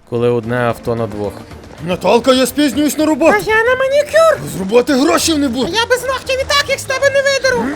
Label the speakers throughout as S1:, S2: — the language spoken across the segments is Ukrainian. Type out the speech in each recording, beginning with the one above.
S1: коли одне авто на двох.
S2: Наталка, я спізнююсь на роботу.
S3: А я на манікюр.
S2: З роботи грошей не буде.
S3: Я без ногтів і так, як з тебе не видеру.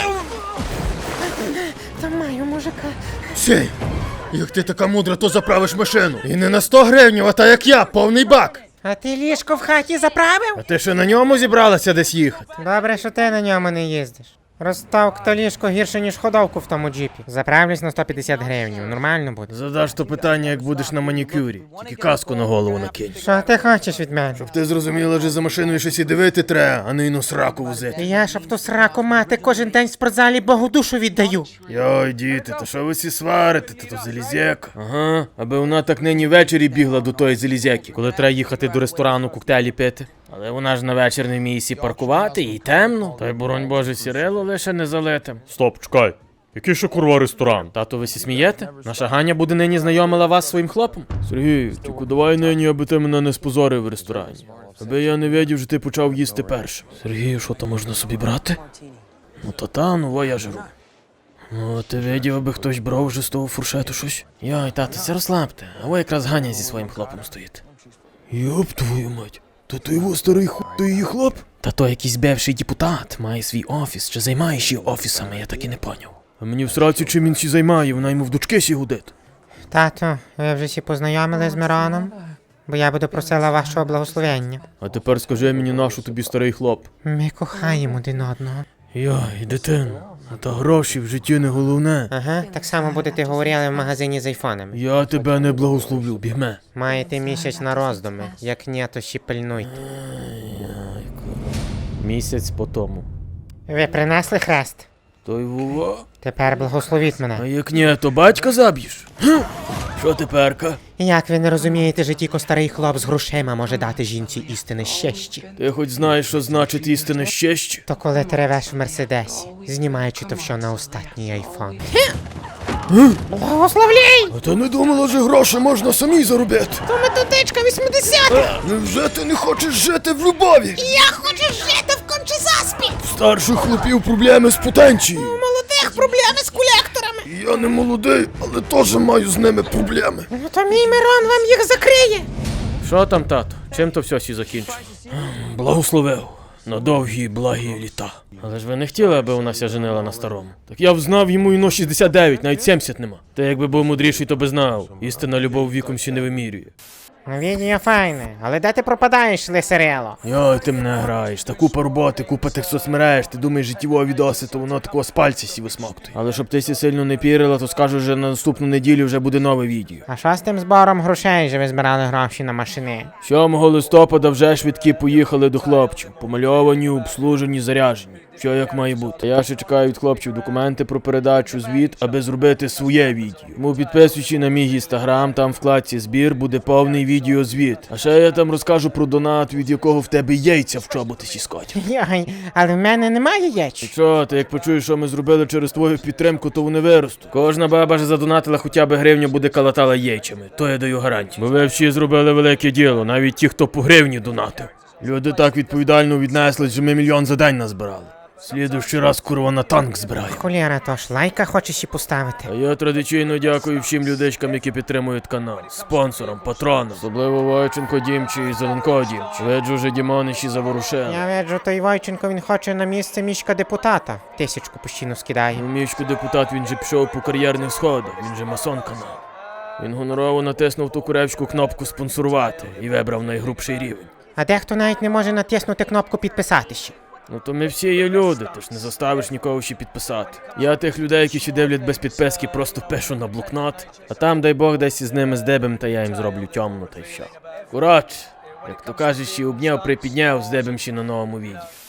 S3: Та маю мужика.
S2: Сей, як ти така мудра, то заправиш машину. І не на 100 гривень, а та як я, повний бак.
S3: А ти ліжко в хаті заправив?
S2: А ти ще на ньому зібралася десь їхати?
S3: Добре, що ти на ньому не їздиш. Розставка то ліжко гірше, ніж ходовку в тому джипі. Заправлюсь на 150 гривень, нормально буде.
S2: Задаш то питання, як будеш на манікюрі. Тільки каску на голову накинь.
S3: Що ти хочеш від мене?
S2: Ти зрозуміла, що за машиною щось і дивити треба, а не й на сраку возити.
S3: Я, щоб ту сраку мати, кожен день в спортзалі Богу душу віддаю.
S2: Йой, діти, то що ви всі сварите, то залізяка. Ага, аби вона так нині ввечері бігла до тої залізяки, коли треба їхати до ресторану коктейлі пити. Але вона ж на вечір не вміє сі паркувати, і темно. Та й, боронь Боже, сірило лише не залитим.
S1: Стоп, чекай. Який ще курва ресторан?
S2: Тато, ви сі смієте? Наша Ганя буде нині знайомила вас зі своїм хлопом? Сергій, тільки давай нині, аби ти мене не спозорив в ресторані. Аби я не видів, що ти почав їсти першим. Сергію, що то можна собі брати? Ну та, я жру. Ну, ти видів, аби хтось брав вже з того фуршету щось? Йой, тато, це розслабте, а ви якраз Ганя зі своїм хлопом стоїть. Йоп твою мать, то ти його старий ти її хлоп? Та то якийсь бивший депутат, має свій офіс, чи займає ще офісами, я так і не поняв. А мені в сраці чим він сі займає, вона йому в дочки сі гудить.
S3: Тато, ви вже всі познайомили з Мироном? Бо я буду просила вашого благословення.
S2: А тепер скажи мені, нашу тобі старий хлоп.
S3: Ми кохаємо один одного.
S2: Йой, дитино, та гроші в житті не головне.
S3: Ага, так само будете говорили в магазині з айфонами.
S2: Я тебе не благословлю, бігме.
S3: Маєте місяць на роздуми. Як ні, то ще пильнуйте.
S2: Місяць по тому.
S3: Ви принесли хрест?
S2: Той вова.
S3: Тепер благословіть
S2: А
S3: мене.
S2: як ні, то батька заб'єш? Що теперка?
S3: Як ви не розумієте, що тільки старий хлоп з грошима може дати жінці істини щастя?
S2: Ти хоч знаєш, що значить істинне щастя?
S3: То коли ти ревеш в Мерседесі, знімаючи то все на остатній айфон. Благословляй!
S2: А ти не думала, що гроші можна самі заробити?
S3: То методичка 80-х!
S2: Невже ти не хочеш жити в любові?
S3: Я хочу жити в кончезаспі!
S2: В старших хлопів проблеми з потенцією.
S3: У молодих проблеми з колекторами!
S2: Я не молодий, але теж маю з ними проблеми.
S3: Ну то мій Мирон вам їх закриє!
S2: Що там, тато? Чим то все сі закінчить? Благословив. На довгі і благі літа. Але ж ви не хотіли, аби вона ся женила на старому. Так я б знав йому іно 69, навіть 70 нема. Та якби був мудріший, то би знав. Істинна любов віком сі не вимірює.
S3: Відео файне, але де ти пропадаєш, лисерело?
S2: Йой, ти мене граєш. Та купа роботи, купа тих соцмереж. Ти думаєш, життєві відоси, то воно такого з пальця сі висмоктує. Але щоб ти сі сильно не пірила, то скажу, що на наступну неділю вже буде нове відео.
S3: А що з тим збором грошей, що ви збирали гроші на машини?
S2: 7 листопада вже швидкі поїхали до хлопців. Помальовані, обслужені, заряжені. Що як має бути. Я ще чекаю від хлопців документи про передачу звіт, аби зробити своє відео. Тому підписуючи на мій інстаграм, там в вкладці збір буде повний відеозвіт. А ще я там розкажу про донат, від якого в тебе яйця в чоботи сіскать.
S3: Йой, але в мене немає яєць.
S2: Що, ти як почуєш, що ми зробили через твою підтримку, то вони виростуть. Кожна баба ж задонатила хоча б гривню, буде калатала яйцями. То я даю гарантію. Бо ви всі зробили велике діло, навіть ті, хто по гривні донатив. Люди так відповідально віднесли, що ми 1 мільйон за день назбирали. Слідуючий раз, курва, на танк збираю.
S3: Холєра, то ж лайка хочеш і поставити.
S2: А я традиційно дякую всім людичкам, які підтримують канал. Спонсорам, патронам. Особливо Войченко Дімчі і Зеленко Дімчі. Виджу вже Дімоничі заворушили.
S3: Я виджу, той Войченко, він хоче на місце мішка депутата. 1000 постійно скидає.
S2: Ну, Мішко депутат, він же пішов по кар'єрних сходах, він же масон канал. Він гонорово натиснув ту куревську кнопку спонсорувати і вибрав найгрубший рівень.
S3: А дехто навіть не може натиснути кнопку підписатися.
S2: Ну то ми всі є люди, тож не заставиш нікого ще підписати. Я тих людей, які ще дивлять без підписки, просто пишу на блокнот, а там, дай Бог, десь із ними здебем, та я їм зроблю темно, та й все. Коротше, як то кажеш, ще обняв, припідняв, здебем ще на новому відео.